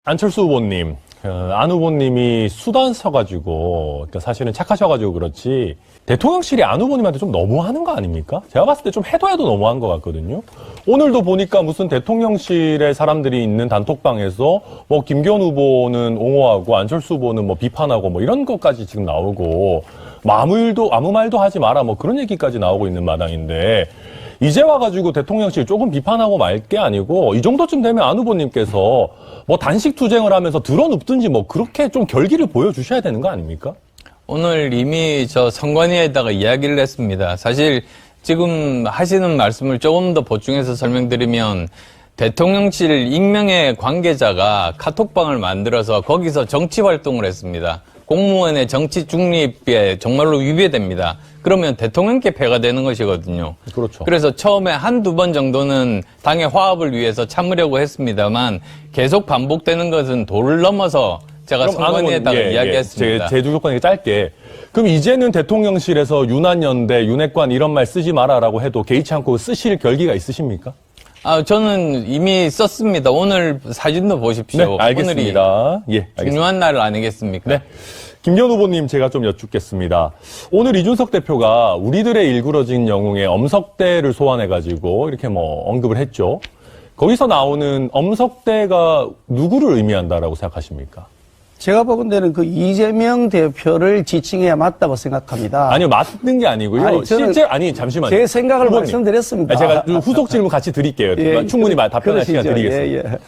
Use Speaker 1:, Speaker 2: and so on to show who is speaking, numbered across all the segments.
Speaker 1: 안철수 후보님, 안 후보님이 수단 서가지고, 사실은 착하셔가지고 그렇지, 대통령실이 안 후보님한테 좀 너무하는 거 아닙니까? 제가 봤을 때 좀 해도 너무한 것 같거든요. 오늘도 보니까 무슨 대통령실에 사람들이 있는 단톡방에서 뭐 김기현 후보는 옹호하고 안철수 후보는 뭐 비판하고 뭐 이런 것까지 지금 나오고, 뭐 아무 말도 하지 마라 뭐 그런 얘기까지 나오고 있는 마당인데, 이제 와가지고 대통령실 조금 비판하고 말 게 아니고 이 정도쯤 되면 안 후보님께서 뭐 단식 투쟁을 하면서 드러눕든지 뭐 그렇게 좀 결기를 보여주셔야 되는 거 아닙니까?
Speaker 2: 오늘 이미 저 선관위에다가 이야기를 했습니다. 사실 지금 하시는 말씀을 조금 더 보충해서 설명드리면 대통령실 익명의 관계자가 카톡방을 만들어서 거기서 정치 활동을 했습니다. 공무원의 정치 중립에 정말로 위배됩니다. 그러면 대통령께 폐가 되는 것이거든요.
Speaker 1: 그렇죠.
Speaker 2: 그래서 처음에 한두 번 정도는 당의 화합을 위해서 참으려고 했습니다만 계속 반복되는 것은 도를 넘어서 제가 선관위에다가 이야기했습니다.
Speaker 1: 제 조건이 짧게. 그럼 이제는 대통령실에서 윤한연대, 윤핵관 이런 말 쓰지 마라라고 해도 개의치 않고 쓰실 결기가 있으십니까?
Speaker 2: 저는 이미 썼습니다. 오늘 사진도 보십시오.
Speaker 1: 네, 알겠습니다.
Speaker 2: 오늘이 중요한 날 아니겠습니까?
Speaker 1: 네. 김기현 후보님 제가 좀 여쭙겠습니다. 오늘 이준석 대표가 우리들의 일그러진 영웅의 엄석대를 소환해가지고 이렇게 뭐 언급을 했죠. 거기서 나오는 엄석대가 누구를 의미한다라고 생각하십니까?
Speaker 3: 제가 보건대는 그 이재명 대표를 지칭해야 맞다고 생각합니다.
Speaker 1: 아니요, 맞는 게 아니고요. 잠시만요.
Speaker 3: 제 생각을
Speaker 1: 후보님.
Speaker 3: 말씀드렸습니다.
Speaker 1: 제가 후속 질문 같이 드릴게요.
Speaker 3: 예,
Speaker 1: 충분히 답변할 시간 드리겠습니다.
Speaker 3: 예.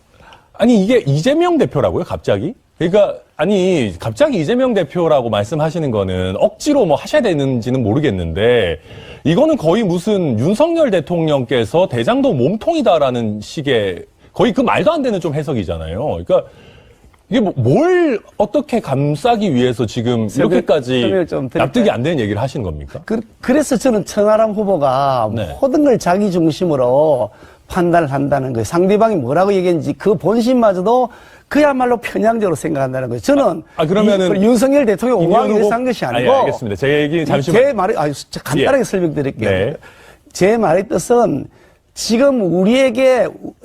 Speaker 1: 아니, 이게 이재명 대표라고요, 갑자기? 그러니까, 아니, 갑자기 이재명 대표라고 말씀하시는 거는 억지로 뭐 하셔야 되는지는 모르겠는데, 이거는 거의 무슨 윤석열 대통령께서 대장동 몸통이다라는 식의 거의 그 말도 안 되는 좀 해석이잖아요. 그러니까, 이게 뭘 어떻게 감싸기 위해서 지금 이렇게까지 납득이 안 되는 얘기를 하시는 겁니까?
Speaker 3: 그래서 저는 천하람 후보가 모든 걸 자기 중심으로 판단을 한다는 거예요. 상대방이 뭐라고 얘기했는지 그 본심마저도 그야말로 편향적으로 생각한다는 거예요. 저는
Speaker 1: 그러면은
Speaker 3: 윤석열 대통령 옹호하기 위해서 한 것이 아니고
Speaker 1: 알겠습니다. 제 얘기 잠시만.
Speaker 3: 제 말이 간단하게 설명드릴게요.
Speaker 1: 네.
Speaker 3: 제 말의 뜻은 지금 우리에게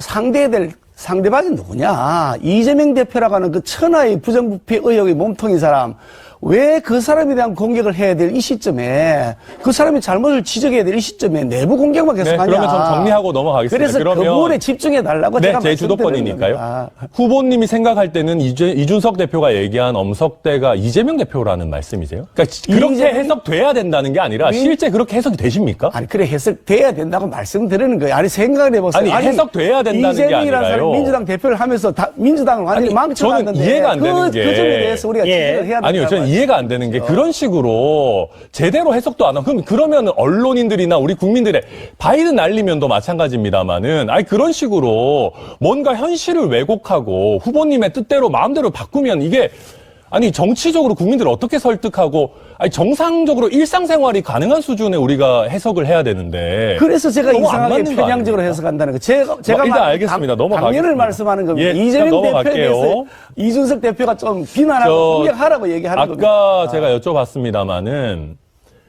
Speaker 3: 상대방이 누구냐? 이재명 대표라고 하는 그 천하의 부정부패 의혹의 몸통인 사람, 왜 그 사람에 대한 공격을 해야 될 이 시점에, 그 사람의 잘못을 지적해야 될 이 시점에 내부 공격만 계속하냐?
Speaker 1: 그러면 전 정리하고 넘어가겠습니다.
Speaker 3: 그래서 그 부분에 집중해달라고 제가
Speaker 1: 제 주도권이니까요.
Speaker 3: 겁니다.
Speaker 1: 후보님이 생각할 때는 이준석 대표가 얘기한 엄석대가 이재명 대표라는 말씀이세요? 그러니까 그렇게 해석돼야 된다는 게 아니라 실제 그렇게 해석이 되십니까?
Speaker 3: 아니, 그래, 해석돼야 된다고 말씀드리는 거예요. 아니, 생각을 해보세요.
Speaker 1: 아니, 해석돼야 된다는 게
Speaker 3: 이재명이라는
Speaker 1: 아니라요.
Speaker 3: 사람이 민주당 대표를 하면서 민주당을 완전히 망쳐놨는데.
Speaker 1: 저는 이해가 안 되는 게.
Speaker 3: 그 점에 대해서 우리가 지적을 해야 된다.
Speaker 1: 아니요, 저는 이해가 안 되는 게 그런 식으로 제대로 해석도 안 하고 그러면 언론인들이나 우리 국민들의 바이든 날리면도 마찬가지입니다만은 그런 식으로 뭔가 현실을 왜곡하고 후보님의 뜻대로 마음대로 바꾸면 이게 정치적으로 국민들을 어떻게 설득하고 정상적으로 일상생활이 가능한 수준에 우리가 해석을 해야 되는데
Speaker 3: 그래서 제가 이상하게
Speaker 1: 거
Speaker 3: 편향적으로 해석한다는 거. 제가
Speaker 1: 일단 알겠습니다. 넘어가겠습니다.
Speaker 3: 당연을 말씀하는 겁니다.
Speaker 1: 예,
Speaker 3: 이재명 대표에 대해서 이준석 대표가 좀 비난하고 공격하라고 얘기하는 겁니다.
Speaker 1: 아까 제가 여쭤봤습니다마는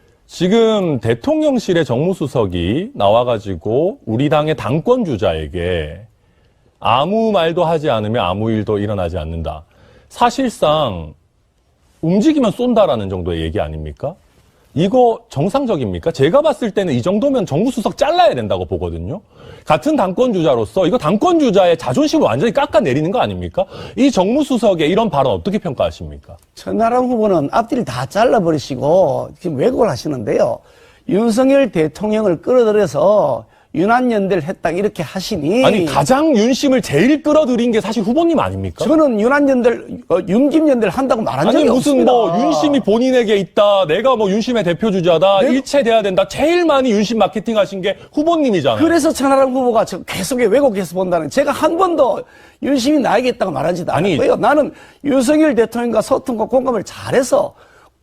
Speaker 1: 지금 대통령실의 정무수석이 나와가지고 우리 당의 당권 주자에게 아무 말도 하지 않으면 아무 일도 일어나지 않는다. 사실상 움직이면 쏜다라는 정도의 얘기 아닙니까? 이거 정상적입니까? 제가 봤을 때는 이 정도면 정무수석 잘라야 된다고 보거든요. 같은 당권주자로서 이거 당권주자의 자존심을 완전히 깎아내리는 거 아닙니까? 이 정무수석의 이런 발언 어떻게 평가하십니까?
Speaker 3: 천하람 후보는 앞뒤를 다 잘라버리시고 지금 왜곡을 하시는데요. 윤석열 대통령을 끌어들여서 윤한연대를 했다 이렇게 하시니
Speaker 1: 가장 윤심을 제일 끌어들인 게 사실 후보님 아닙니까?
Speaker 3: 저는 윤김연대를 한다고 말한 적이 없습니다.
Speaker 1: 무슨 윤심이 본인에게 있다. 내가 윤심의 대표주자다. 일체돼야 된다. 제일 많이 윤심 마케팅 하신 게 후보님이잖아요.
Speaker 3: 그래서 천하람 후보가 계속 왜곡해서 본다는 제가 한 번도 윤심이 나에게 있다고 말하지도 않았고요. 나는 윤석열 대통령과 소통과 공감을 잘해서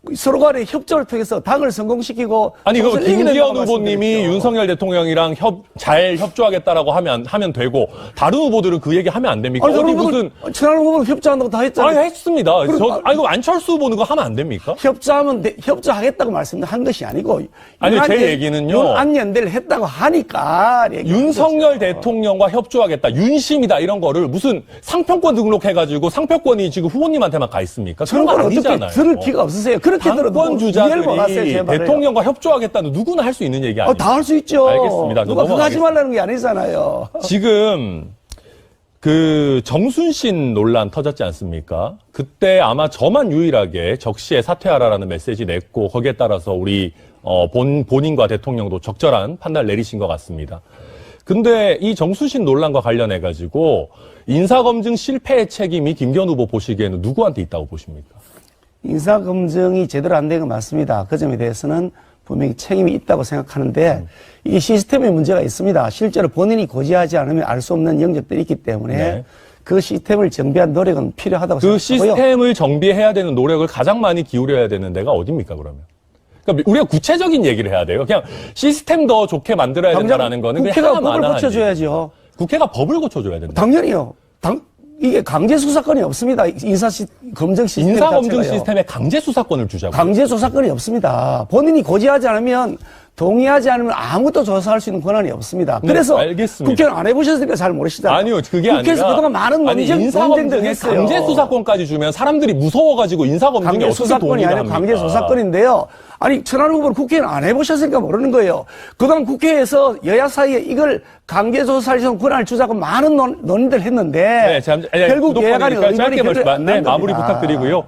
Speaker 3: 서로 간에 협조를 통해서 당을 성공시키고
Speaker 1: 아니, 그
Speaker 3: 총선을 이겨낸다고
Speaker 1: 김기현 후보님이
Speaker 3: 말씀드렸죠.
Speaker 1: 윤석열 대통령이랑 잘 협조하겠다라고 하면 되고, 다른 후보들은 그 얘기 하면 안 됩니까?
Speaker 3: 아니,
Speaker 1: 어디
Speaker 3: 저런
Speaker 1: 무슨.
Speaker 3: 후보는 천하람 후보는 협조한다고 다 했잖아요.
Speaker 1: 아니, 했습니다.
Speaker 3: 그럼,
Speaker 1: 이거 안철수 후보는 그거 하면 안 됩니까?
Speaker 3: 협조하겠다고 말씀한 것이 아니고.
Speaker 1: 아니, 제
Speaker 3: 윤안연-
Speaker 1: 얘기는요.
Speaker 3: 윤안연대를 했다고 하니까.
Speaker 1: 윤석열 대통령과 협조하겠다, 윤심이다, 이런 거를 무슨 상표권 등록해가지고 상표권이 지금 후보님한테만 가 있습니까? 그런
Speaker 3: 그런
Speaker 1: 거
Speaker 3: 걸 어떻게
Speaker 1: 아니잖아요.
Speaker 3: 들을 기가 없으세요. 그렇게 들어도
Speaker 1: 당권
Speaker 3: 이해를 못 하세요, 제
Speaker 1: 주자들이
Speaker 3: 말을.
Speaker 1: 대통령과 협조하겠다는 누구나 할 수 있는 얘기 아니에요?
Speaker 3: 다 할 수 있죠.
Speaker 1: 알겠습니다.
Speaker 3: 누가 그거 하지
Speaker 1: 넘어가겠습니다.
Speaker 3: 말라는 게 아니잖아요.
Speaker 1: 지금 그 정순신 논란 터졌지 않습니까? 그때 아마 저만 유일하게 적시에 사퇴하라라는 메시지 냈고, 거기에 따라서 우리 본인과 대통령도 적절한 판단을 내리신 것 같습니다. 근데 이 정순신 논란과 관련해 가지고 인사검증 실패의 책임이 김기현 후보 보시기에는 누구한테 있다고 보십니까?
Speaker 3: 인사검증이 제대로 안 된 건 맞습니다. 그 점에 대해서는 분명히 책임이 있다고 생각하는데 이 시스템에 문제가 있습니다. 실제로 본인이 고지하지 않으면 알 수 없는 영역들이 있기 때문에
Speaker 1: 네.
Speaker 3: 그 시스템을 정비한 노력은 필요하다고
Speaker 1: 그
Speaker 3: 생각하고요.
Speaker 1: 시스템을 정비해야 되는 노력을 가장 많이 기울여야 되는 데가 어딥니까, 그러면? 그러니까 우리가 구체적인 얘기를 해야 돼요. 그냥 시스템 더 좋게 만들어야 된다는 거는 그냥
Speaker 3: 국회가
Speaker 1: 하나만
Speaker 3: 법을
Speaker 1: 하는
Speaker 3: 고쳐줘야죠.
Speaker 1: 국회가 법을 고쳐줘야 된다.
Speaker 3: 당연히요. 이게 강제 수사권이 없습니다. 검증 시스템
Speaker 1: 인사검증
Speaker 3: 자체가요.
Speaker 1: 시스템에 강제 수사권을 주자고.
Speaker 3: 강제 조사권이 없습니다. 본인이 고지하지 않으면 동의하지 않으면 아무것도 조사할 수 있는 권한이 없습니다.
Speaker 1: 네,
Speaker 3: 그래서
Speaker 1: 알겠습니다.
Speaker 3: 국회는 안 해보셨으니까 잘 모르시잖아요.
Speaker 1: 아니요, 그게
Speaker 3: 국회에서
Speaker 1: 아니라.
Speaker 3: 그동안 많은
Speaker 1: 아니,
Speaker 3: 논쟁들
Speaker 1: 인사검증에
Speaker 3: 했어요.
Speaker 1: 강제 수사권까지 주면 사람들이 무서워가지고 인사검증에
Speaker 3: 강제
Speaker 1: 어떻게
Speaker 3: 수사권이
Speaker 1: 동의를
Speaker 3: 아니라
Speaker 1: 합니까?
Speaker 3: 강제 조사권인데요. 아니, 천하람 후보는 국회는 안 해보셨으니까 모르는 거예요. 그동안 국회에서 여야 사이에 이걸 강제 조사할 수 있는 권한을 주자고 많은 논의들 했는데
Speaker 1: 네,
Speaker 3: 결국 여야간의 의견이
Speaker 1: 네, 마무리 부탁드리고요.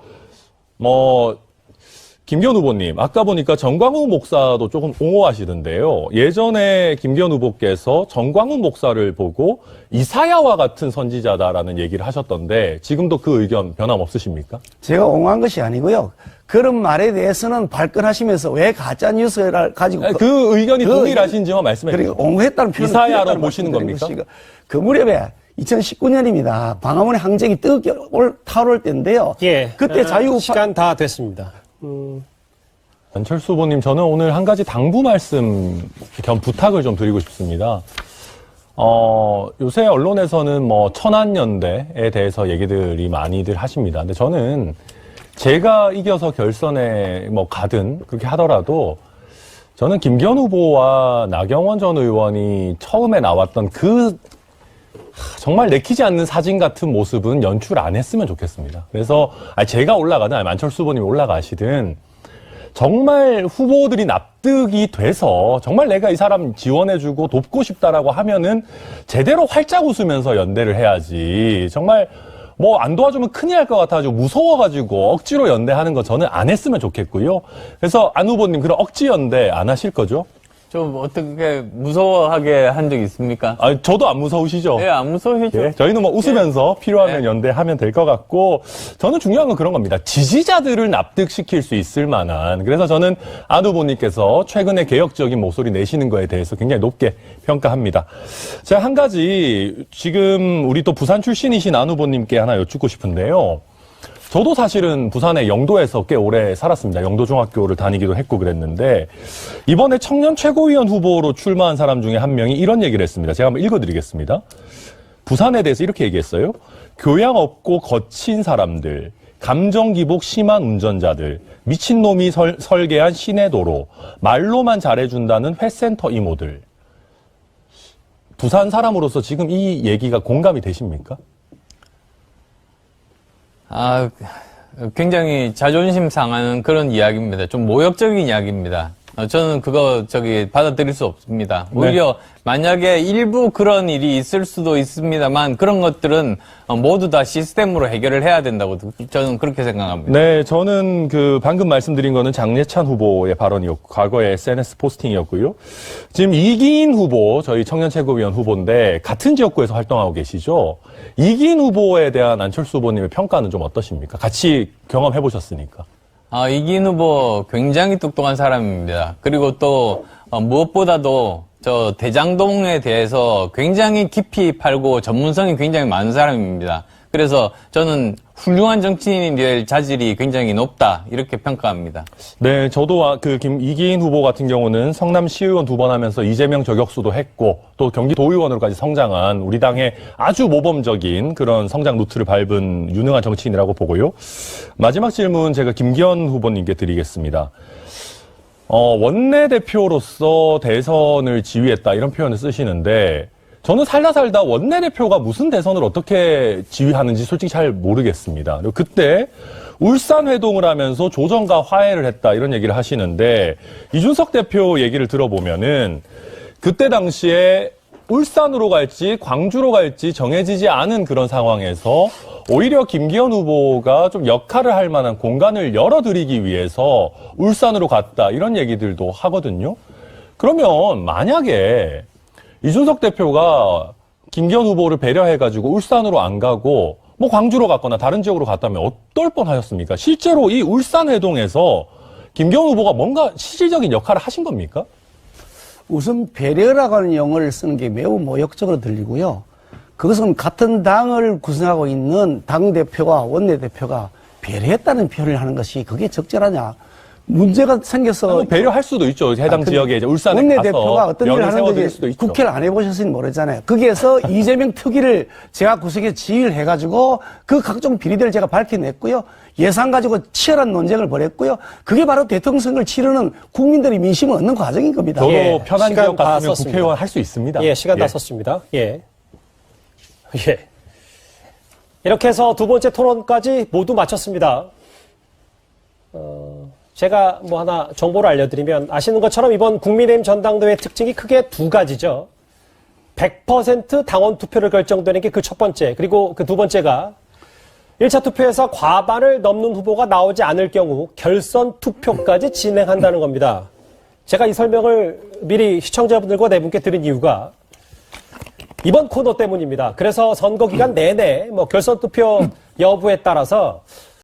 Speaker 1: 김기현 후보님, 아까 보니까 정광훈 목사도 조금 옹호하시던데요. 예전에 김기현 후보께서 정광훈 목사를 보고 이사야와 같은 선지자다라는 얘기를 하셨던데 지금도 그 의견 변함없으십니까?
Speaker 3: 제가 옹호한 것이 아니고요. 그런 말에 대해서는 발끈하시면서 왜 가짜 뉴스를 가지고
Speaker 1: 그 의견이 동일하신지만 말씀해
Speaker 3: 그리고
Speaker 1: 주세요.
Speaker 3: 옹호했다는 표현을
Speaker 1: 이사야로
Speaker 3: 필요하다는
Speaker 1: 보시는
Speaker 3: 말씀드린
Speaker 1: 겁니까?
Speaker 3: 것이고, 그 무렵에 2019년입니다. 광화문의 항쟁이 뜨겁게 타오를 때인데요.
Speaker 4: 예.
Speaker 3: 그때 자유우파
Speaker 4: 시간 다 됐습니다.
Speaker 1: 안철수 후보님, 저는 오늘 한 가지 당부 말씀 겸 부탁을 좀 드리고 싶습니다. 요새 언론에서는 뭐 천안연대에 대해서 얘기들이 많이들 하십니다. 근데 저는 제가 이겨서 결선에 뭐 가든 그렇게 하더라도 저는 김기현 후보와 나경원 전 의원이 처음에 나왔던 그 정말 내키지 않는 사진 같은 모습은 연출 안 했으면 좋겠습니다. 그래서 제가 올라가든 아니면 안철수 후보님이 올라가시든 정말 후보들이 납득이 돼서 정말 내가 이 사람 지원해주고 돕고 싶다라고 하면은 제대로 활짝 웃으면서 연대를 해야지. 정말 뭐 안 도와주면 큰일 날 것 같아가지고 무서워가지고 억지로 연대하는 거 저는 안 했으면 좋겠고요. 그래서 안 후보님 그런 억지 연대 안 하실 거죠?
Speaker 2: 좀 어떻게 무서워하게 한 적 있습니까?
Speaker 1: 저도 안 무서우시죠?
Speaker 2: 예, 안 무서우시죠?
Speaker 1: 예, 저희는 뭐 웃으면서 필요하면 연대하면 될 것 같고, 저는 중요한 건 그런 겁니다. 지지자들을 납득시킬 수 있을 만한, 그래서 저는 안 후보님께서 최근에 개혁적인 목소리 내시는 거에 대해서 굉장히 높게 평가합니다. 제가 한 가지, 지금 우리 또 부산 출신이신 안 후보님께 하나 여쭙고 싶은데요. 저도 사실은 부산의 영도에서 꽤 오래 살았습니다. 영도중학교를 다니기도 했고 그랬는데 이번에 청년 최고위원 후보로 출마한 사람 중에 한 명이 이런 얘기를 했습니다. 제가 한번 읽어드리겠습니다. 부산에 대해서 이렇게 얘기했어요. 교양 없고 거친 사람들, 감정 기복 심한 운전자들, 미친놈이 설계한 시내도로, 말로만 잘해준다는 회센터 이모들. 부산 사람으로서 지금 이 얘기가 공감이 되십니까?
Speaker 2: 굉장히 자존심 상하는 그런 이야기입니다. 좀 모욕적인 이야기입니다. 저는 그거 받아들일 수 없습니다. 오히려 만약에 일부 그런 일이 있을 수도 있습니다만 그런 것들은 모두 다 시스템으로 해결을 해야 된다고 저는 그렇게 생각합니다.
Speaker 1: 네, 저는 방금 말씀드린 거는 장례찬 후보의 발언이었고, 과거의 SNS 포스팅이었고요. 지금 이기인 후보, 저희 청년 최고위원 후보인데, 같은 지역구에서 활동하고 계시죠? 이기인 후보에 대한 안철수 후보님의 평가는 좀 어떠십니까? 같이 경험해 보셨으니까.
Speaker 2: 이기인 후보 굉장히 똑똑한 사람입니다. 그리고 또, 무엇보다도 대장동에 대해서 굉장히 깊이 팔고 전문성이 굉장히 많은 사람입니다. 그래서 저는 훌륭한 정치인이 될 자질이 굉장히 높다 이렇게 평가합니다.
Speaker 1: 네, 저도 이기인 후보 같은 경우는 성남시의원 2번 하면서 이재명 저격수도 했고 또 경기도의원으로까지 성장한 우리 당의 아주 모범적인 그런 성장 루트를 밟은 유능한 정치인이라고 보고요. 마지막 질문 제가 김기현 후보님께 드리겠습니다. 원내대표로서 대선을 지휘했다 이런 표현을 쓰시는데 저는 살다 원내대표가 무슨 대선을 어떻게 지휘하는지 솔직히 잘 모르겠습니다. 그리고 그때 울산 회동을 하면서 조정과 화해를 했다 이런 얘기를 하시는데 이준석 대표 얘기를 들어보면은 그때 당시에 울산으로 갈지 광주로 갈지 정해지지 않은 그런 상황에서 오히려 김기현 후보가 좀 역할을 할 만한 공간을 열어드리기 위해서 울산으로 갔다 이런 얘기들도 하거든요. 그러면 만약에 이준석 대표가 김기현 후보를 배려해가지고 울산으로 안 가고 뭐 광주로 갔거나 다른 지역으로 갔다면 어떨 뻔하셨습니까? 실제로 이 울산 회동에서 김기현 후보가 뭔가 실질적인 역할을 하신 겁니까?
Speaker 3: 우선 배려라고 하는 용어를 쓰는 게 매우 모욕적으로 들리고요. 그것은 같은 당을 구성하고 있는 당대표와 원내대표가 배려했다는 표현을 하는 것이 그게 적절하냐. 문제가 생겨서
Speaker 1: 배려할 수도 있죠. 해당 지역에 이제 울산에
Speaker 3: 원내대표가
Speaker 1: 가서
Speaker 3: 어떤 일을 하는지
Speaker 1: 수도 있죠.
Speaker 3: 국회를 안 해보셨으니 모르잖아요. 거기에서 이재명 특위를 제가 구성해 지휘를 해가지고 그 각종 비리들을 제가 밝혀냈고요. 예산 가지고 치열한 논쟁을 벌였고요. 그게 바로 대통령 선거를 치르는 국민들의 민심을 얻는 과정인 겁니다.
Speaker 1: 저도
Speaker 4: 예,
Speaker 1: 편한
Speaker 4: 시간
Speaker 1: 지역
Speaker 4: 다
Speaker 1: 같으면
Speaker 4: 썼습니다.
Speaker 1: 국회의원 할 수 있습니다.
Speaker 4: 예, 시간 다 썼습니다. 예. 예. 이렇게 해서 두 번째 토론까지 모두 마쳤습니다. 제가 뭐 하나 정보를 알려드리면 아시는 것처럼 이번 국민의힘 전당대회 특징이 크게 두 가지죠. 100% 당원 투표를 결정되는 게 그 첫 번째. 그리고 그 두 번째가 1차 투표에서 과반을 넘는 후보가 나오지 않을 경우 결선 투표까지 진행한다는 겁니다. 제가 이 설명을 미리 시청자분들과 네 분께 드린 이유가 이번 코너 때문입니다. 그래서 선거 기간 내내 뭐 결선 투표 여부에 따라서